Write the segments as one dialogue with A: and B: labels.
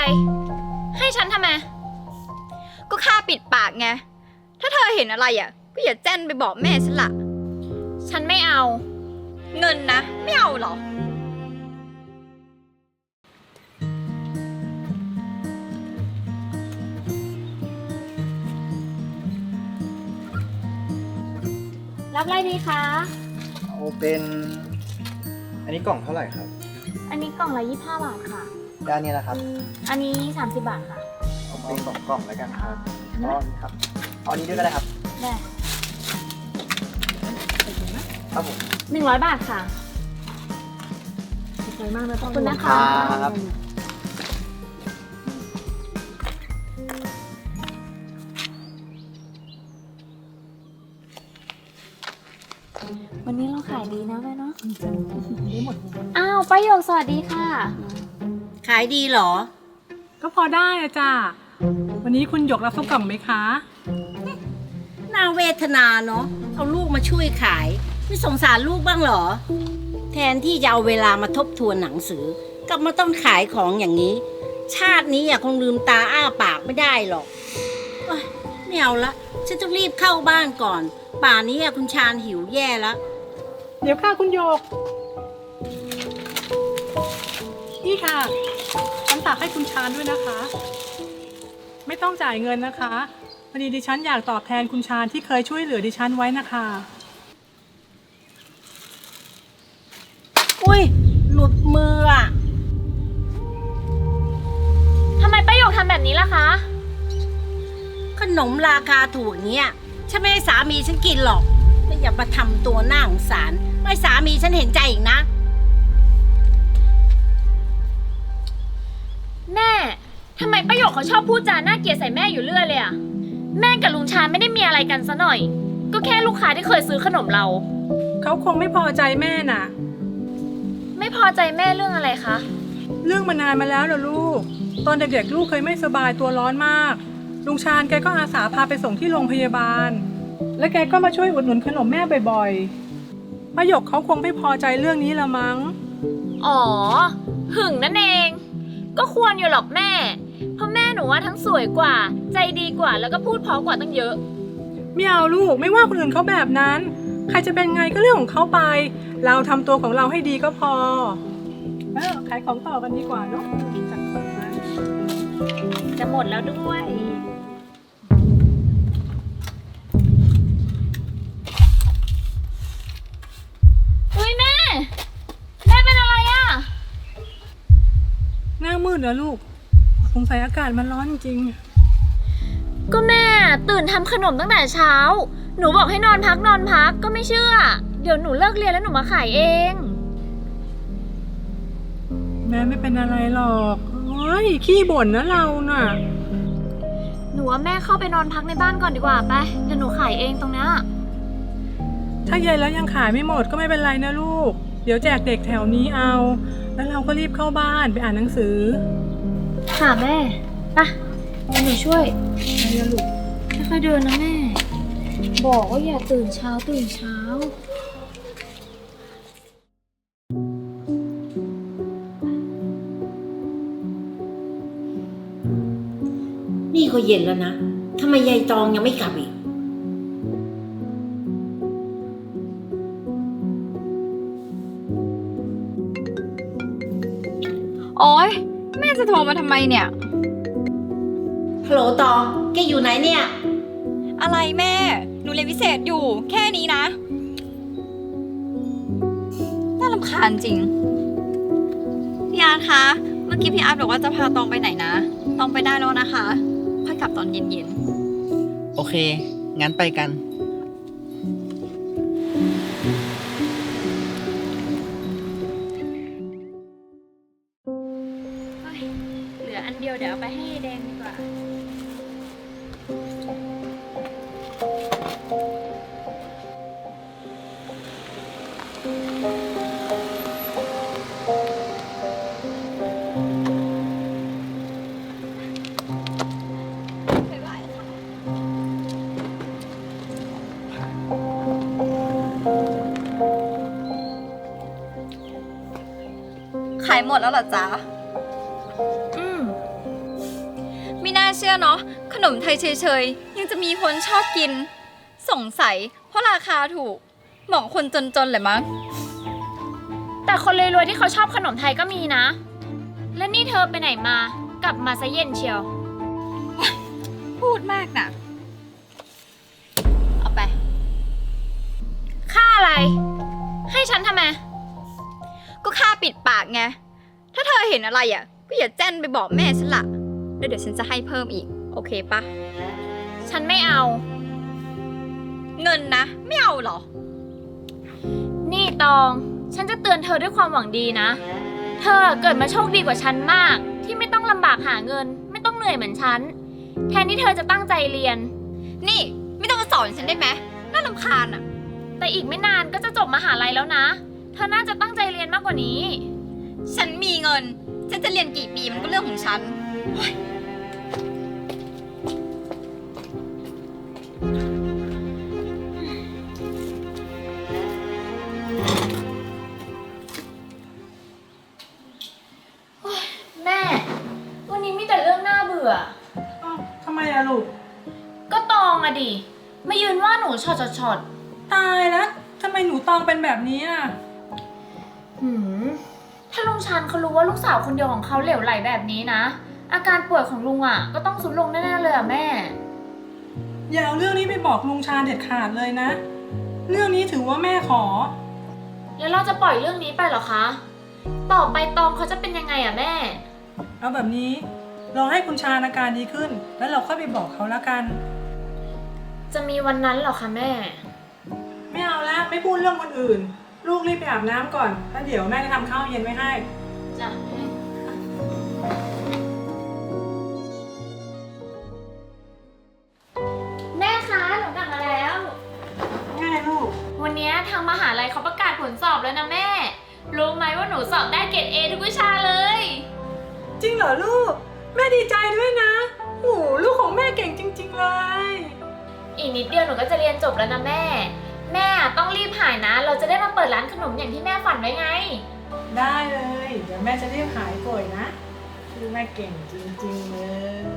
A: ให้ฉันทำไม
B: ก็ค่าปิดปากไงถ้าเธอเห็นอะไรอ่ะก็อย่าแจ้นไปบอกแม่ฉันละ
A: ฉันไม่เอา
B: เงินนะไม่เอาหรอ
A: รับอะไรดีคะ
C: เอาเป็นอันนี้กล่องเท่าไหร่ครับ
A: อันนี้กล่องละ25 บาทค่ะ
C: แล้วอันนี้นะครับ
A: อันนี้30 บาทค่ะ
C: เอาเป็น2 กล่องแล้วกันครับอ๋อนี่ครับเอาอันนี้ด้วยก็ได้ครับ
A: ได้
C: ครับผม
A: 100 บาทค่ะสวยมากนะขอบคุณนะคะ
C: ครับ
A: วันนี้เราขายดีนะแม่เนาะอ้าวป้าหยกสวัสดีค่ะ
D: ขายดีเหรอ
E: ก็พอได้อะจ้าวันนี้คุณหยกรับข้าวกล่องไหมคะ
D: น่าเวทนาเนาะเอาลูกมาช่วยขายไม่สงสารลูกบ้างเหรอแทนที่จะเอาเวลามาทบทวนหนังสือกลับมาต้องขายของอย่างนี้ชาตินี้คงลืมตาอ้าปากไม่ได้หรอกไม่เอาละฉันต้องรีบเข้าบ้านก่อนป่านนี้คุณชาญหิวแย่แล้ว
E: เดี๋ยวค่ะคุณหยกนี่ค่ะฉันฝากให้คุณชาญด้วยนะคะไม่ต้องจ่ายเงินนะคะพอดีดิฉันอยากตอบแทนคุณชาญที่เคยช่วยเหลือดิฉันไว้นะคะ
D: อุ้ยหลุดมืออ่ะ
A: ทำไมป้าหยกทำแบบนี้ล่ะคะ
D: ขนมราคาถูกอย่างเงี้ยฉันไม่ให้สามีฉันกินหรอกไม่อย่ามาทำตัวน่าสงสารไม่สามีฉันเห็นใจอีกนะ
A: แม่ทำไมป้าหยกเขาชอบพูดจาน่าเกลียดใส่แม่อยู่เรื่อยเลยอะแม่กับลุงชาญไม่ได้มีอะไรกันซะหน่อยก็แค่ลูกค้าที่เคยซื้อขนมเรา
E: เขาคงไม่พอใจแม่น่ะ
A: ไม่พอใจแม่เรื่องอะไรคะ
E: เรื่องมานานมาแล้วเหรอลูกตอนเด็กๆลูกเคยไม่สบายตัวร้อนมากลุงชาญแกก็อาสาพาไปส่งที่โรงพยาบาลและแกก็มาช่วยอุดหนุนขนมแม่บ่อยๆป้าหยกเขาคงไม่พอใจเรื่องนี้ละมั้ง
A: อ๋อหึงนั่นเองก็ควรอยู่หรอกแม่เพราะแม่หนูว่าทั้งสวยกว่าใจดีกว่าแล้วก็พูดเพราะกว่าตั้งเยอะ
E: ไม่เอาลูกไม่ว่าคนอื่นเขาแบบนั้นใครจะเป็นไงก็เรื่องของเขาไปเราทำตัวของเราให้ดีก็พอขายของต่อกันดีกว่าเนาะ
A: จะหมดแล้วด้วยอุ้ยแม่เป็นอะไรอะ
E: หน้ามืดเหรอลูกสงสัยอากาศมันร้อนจริง
A: ก็แม่ตื่นทำขนมตั้งแต่เช้าหนูบอกให้นอนพักก็ไม่เชื่อเดี๋ยวหนูเลิกเรียนแล้วหนูมาขายเอง
E: แม่ไม่เป็นอะไรหรอกเฮ้ยขี้บ่นนะเราน่ะ
A: หนูว่าแม่เข้าไปนอนพักในบ้านก่อนดีกว่าไปเดี๋ยวหนูขายเองตรงนี้
E: ถ้าเย็นแล้วยังขายไม่หมดก็ไม่เป็นไรนะลูกเดี๋ยวแจกเด็กแถวนี้เอาแล้วเราก็รีบเข้าบ้านไปอ่านหนังสือ
A: ค่ะแม่ไปเดี๋ยวหนูช่วยไปนะลูกค่อยๆเดินนะแม่บอกว่าอย่าตื่นเช้า
D: นี่ก็เย็นแล้วนะทำไมยายตองยังไม่กลับอีก
B: โอ๊ยแม่จะโทรมาทำไมเนี่ย
D: ฮัลโหลตองแกอยู่ไหนเนี่ย
B: อะไรแม่หนูเรียนพิเศษอยู่แค่นี้นะน่ารำคาญจริงพี่อาร์ตคะเมื่อกี้พี่อาร์ตบอกว่าจะพาตองไปไหนนะตองไปได้แล้วนะคะค่อยกลับตอนเย็น
C: ๆโอเคงั้นไปกัน
A: เหลืออันเดียวเดี๋ยวเอาไปให้แดงดีกว่า
B: ขายหมดแล้วเหรอจ๊ะไม่น่าเชื่อเนาะขนมไทยเฉยๆยังจะมีคนชอบกิน สงสัยเพราะราคาถูกเหมาะคนจนๆเลยมั้ง
A: แต่คนรวยๆที่เขาชอบขนมไทยก็มีนะ แล้วนี่เธอไปไหนมา กลับมาซะเย็นเชียว
B: พูดมากนะเอาไป
A: ค่าอะไร ให้ฉันทำไม
B: ก็ค่าปิดปากไง ถ้าเธอเห็นอะไรอ่ะ ก็อย่าแจ้นไปบอกแม่ฉันละแล้วเดี๋ยวฉันจะให้เพิ่มอีก โอเคปะ
A: ฉันไม่เอา
B: เงินนะ ไม่เอาเหรอ
A: นี่ตอง ฉันจะเตือนเธอด้วยความหวังดีนะ เธอเกิดมาโชคดีกว่าฉันมาก ที่ไม่ต้องลำบากหาเงิน ไม่ต้องเหนื่อยเหมือนฉัน แทนที่เธอจะตั้งใจเรียน
B: นี่ไม่ต้องมาสอนฉันได้ไหมน่ารำคาญอ่ะ
A: แต่อีกไม่นานก็จะจบมหาลัยแล้วนะ เธอน่าจะตั้งใจเรียนมากกว่านี้
B: ฉันมีเงิน ฉันจะเรียนกี่ปีมันก็เรื่องของฉัน
A: แม่ วันนี้มีแต่เรื่องน่าเบื่อ
E: อ้าวทำไมอะลูก
A: ก็ตองอะดิ มายืนว่าหนูช็อต
E: ตายแล้วทำไมหนูตองเป็นแบบนี้อะ
A: ถ้าลุงชันเขารู้ว่าลูกสาวคนเดียวของเขาเหลวไหลแบบนี้นะ อาการป่วยของลุงอะก็ต้องสุดลงแน่ๆเลยอะแม่
E: อย่าเอาเรื่องนี้ไปบอกลุงชาเด็ดขาดเลยนะ เรื่องนี้ถือว่าแม่ขอ
A: แล้วเราจะปล่อยเรื่องนี้ไปเหรอคะ ต่อไปตองเขาจะเป็นยังไงอะแม่
E: เอาแบบนี้รอให้คุณชาอาการดีขึ้น แล้วเราค่อยไปบอกเขาแล้วกัน
A: จะมีวันนั้นเหรอคะแม่
E: ไม่เอาแล้วไม่พูดเรื่องคนอื่น ลูกรีบไปอาบน้ำก่อนแล้วเดี๋ยวแม่จะทำข้าวเย็นไว้ให้
A: จ้ะแม่คะหนูกลับมาแล้ว
E: ง่ายลูก
A: วันนี้ทางมหาลัยเขาประกาศผลสอบแล้วนะแม่ รู้ไหมว่าหนูสอบได้เกรด A ทุกวิชาเลย
E: จริงเหรอลูก แม่ดีใจด้วยนะโอ้ลูกของแม่เก่งจริง ๆเลย
A: อีกนิดเดียวหนูก็จะเรียนจบแล้วนะแม่ แม่ต้องรีบหายนะ เราจะได้มาเปิดร้านขนมอย่างที่แม่ฝันไว้ไง
E: ได้เลย เดี๋ยวแม่จะรีบหายป่วยนะคือแม่เก่งจริงๆเลย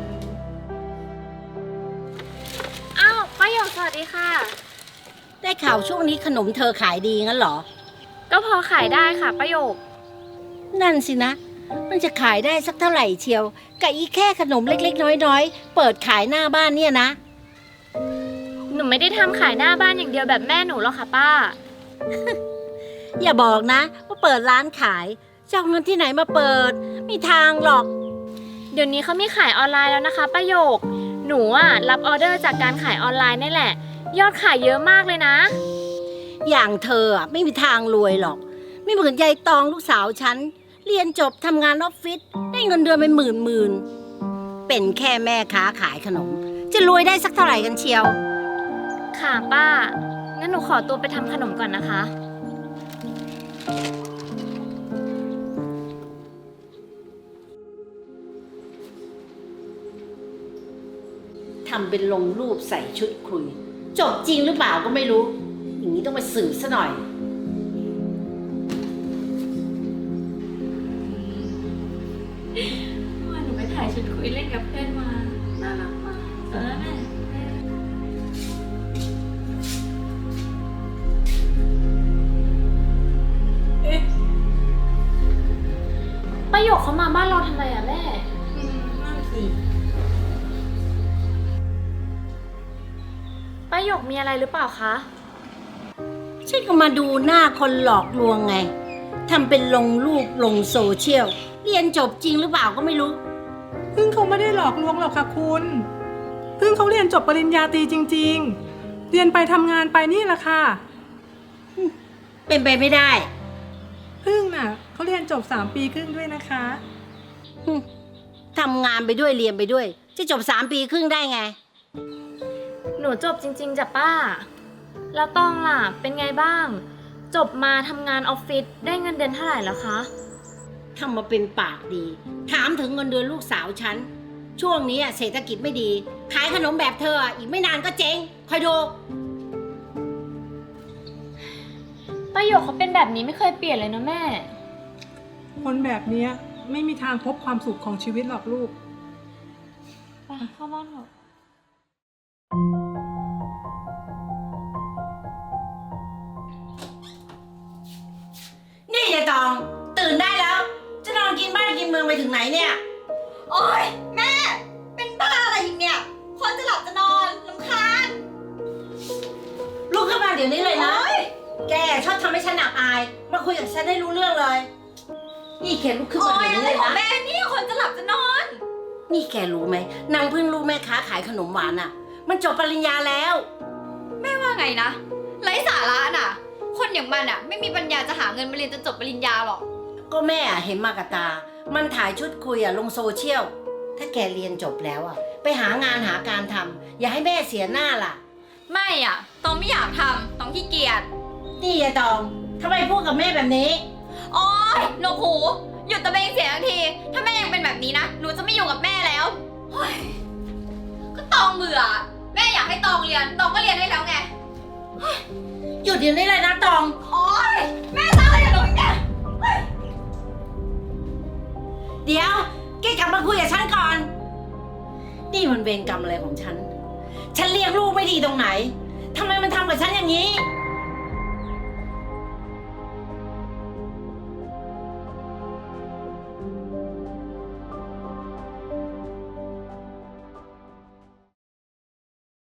A: อ้าวป้าหยกสวัสดีค่ะ
D: ได้ข่าวช่วงนี้ขนมเธอขายดีงั้นเหรอ
A: ก็พอขายได้ค่ะป้าหยก
D: นั่นสินะ มันจะขายได้สักเท่าไหร่เชียวกับอีแค่ขนมเล็กๆ น้อยๆ เปิดขายหน้าบ้านเนี่ยนะ
A: หนูไม่ได้ทำขายหน้าบ้านอย่างเดียวแบบแม่หนูหรอกค่ะป้า
D: อย่าบอกนะว่าเปิดร้านขายจะเอาเงินที่ไหนมาเปิดไม่ทางหรอก
A: เดี๋ยวนี้เขามีขายออนไลน์แล้วนะคะป้าหยก หนูรับออเดอร์จากการขายออนไลน์นี่แหละ ยอดขายเยอะมากเลยนะ
D: อย่างเธอไม่มีทางรวยหรอก ไม่เหมือนยายตองลูกสาวฉัน เรียนจบทำงานออฟฟิศได้เงินเดือนเป็นหมื่นเป็นแค่แม่ค้าขายขนม จะรวยได้สักเท่าไหร่กันเชียว
A: ค่ะป้า งั้นหนูขอตัวไปทำขนมก่อนนะคะ
D: ทำเป็นลงรูปใส่ชุดคุย จบจริงหรือเปล่าก็ไม่รู้ อย่างนี้ต้องไปสืบซะหน่อย
A: หนูไปถ่ายชุดคุยเล่นกับเพื่อนมา น่ารักมากแม่
E: เอ๊ะ
A: ป้าหยกเขามาบ้านเราทำไมอะแม่
E: นั่นสิ
A: ป้าหยกมีอะไรหรือเปล่าคะ
D: ฉันก็มาดูหน้าคนหลอกลวงไง ทำเป็นลงรูปลงโซเชียล เรียนจบจริงหรือเปล่าก็ไม่รู้
E: พึ่งเขาไม่ได้หลอกลวงหรอกค่ะคุณพึ่งเขาเรียนจบปริญญาตรีจริงๆ เรียนไปทำงานไปนี่แหละค่ะ
D: เป็นไปไม่ได้
E: พึ่งน่ะเขาเรียนจบ3 ปีครึ่งด้วยนะคะ
D: ทำงานไปด้วยเรียนไปด้วย จะจบ3 ปีครึ่งได้ไง
A: หนูจบจริงๆจ้ะป้า แล้วต้องล่ะ เป็นไงบ้าง จบมาทำงานออฟฟิศได้เงินเดือนเท่าไหร่แล้วคะ
D: ทำมาเป็นปากดี ถามถึงเงินเดือนลูกสาวฉัน ช่วงนี้เศรษฐกิจไม่ดี ขายขนมแบบเธออีกไม่นานก็เจ๊งคอยดู
A: ป้าหยกเขาเป็นแบบนี้ไม่เคยเปลี่ยนเลยนะแม่
E: คนแบบเนี้ยไม่มีทางพบความสุขของชีวิตหรอกลูก
A: เข้าบ้านเถอะ
D: นี่ยายตอง ตื่นได้แล้ว จะนอนกินบ้านกินเมืองไปถึงไหนเนี่ย
B: โอ๊ย แม่ เป็นบ้าอะไรอีกเนี่ย คนจะหลับจะนอนรำคาญ
D: ลุกขึ้นมาเดี๋ยวนี้เลยนะ
B: โอ๊ย
D: แกชอบทำให้ฉันอับอาย มาคุยกับฉันได้รู้เรื่องเลย นี่แกลุกขึ้น
B: โอ๊
D: มาย เดี๋ยว
B: อะไร
D: นี้เลย
B: ของ
D: นะ
B: แม่เนี่ยคนจะหลับจะนอน
D: นี่แกรู้ไหมนางเพิ่งรู้แม่ค้าขายขนมหวานอ่ะ มันจบปริญญาแล้ว
B: แม่ว่าไงนะไร้สาระน่ะ คนอย่างมันอ่ะ ไม่มีปัญญาจะหาเงินมาเรียนจนจบปริญญาหรอก
D: ก็แม่อะเห็นมากับตา มันถ่ายชุดคุยอ่ะลงโซเชียล ถ้าแกเรียนจบแล้วอ่ะ ไปหางานหาการทำอย่าให้แม่เสียหน้าล่ะ
B: ไม่อ่ะตองไม่อยากทำตองขี้เกียจ
D: นี่ยายตองทำไมพูดกับแม่แบบนี้
B: โอ๊ยหนวกหูหยุดตะเบงเสียงทันที ถ้าแม่ยังเป็นแบบนี้นะ หนูจะไม่อยู่กับแม่แล้วเฮ้ยก็ตองเบื่อ แม่อยากให้ตองเรียน ตองก็เรียนได้แล้วไง
D: หยุดเดี๋ยวนี้เลยนะตอง
B: โอ๊ย แม่ทำอะไรกับหนูอีกเนี่ยเฮ้ย
D: เดี๋ยวแกกลับมาคุยกับฉันก่อน นี่มันเวรกรรมอะไรของฉัน ฉันเลี้ยงลูกไม่ดีตรงไหนทำไมมันทำกับฉันอย่างนี้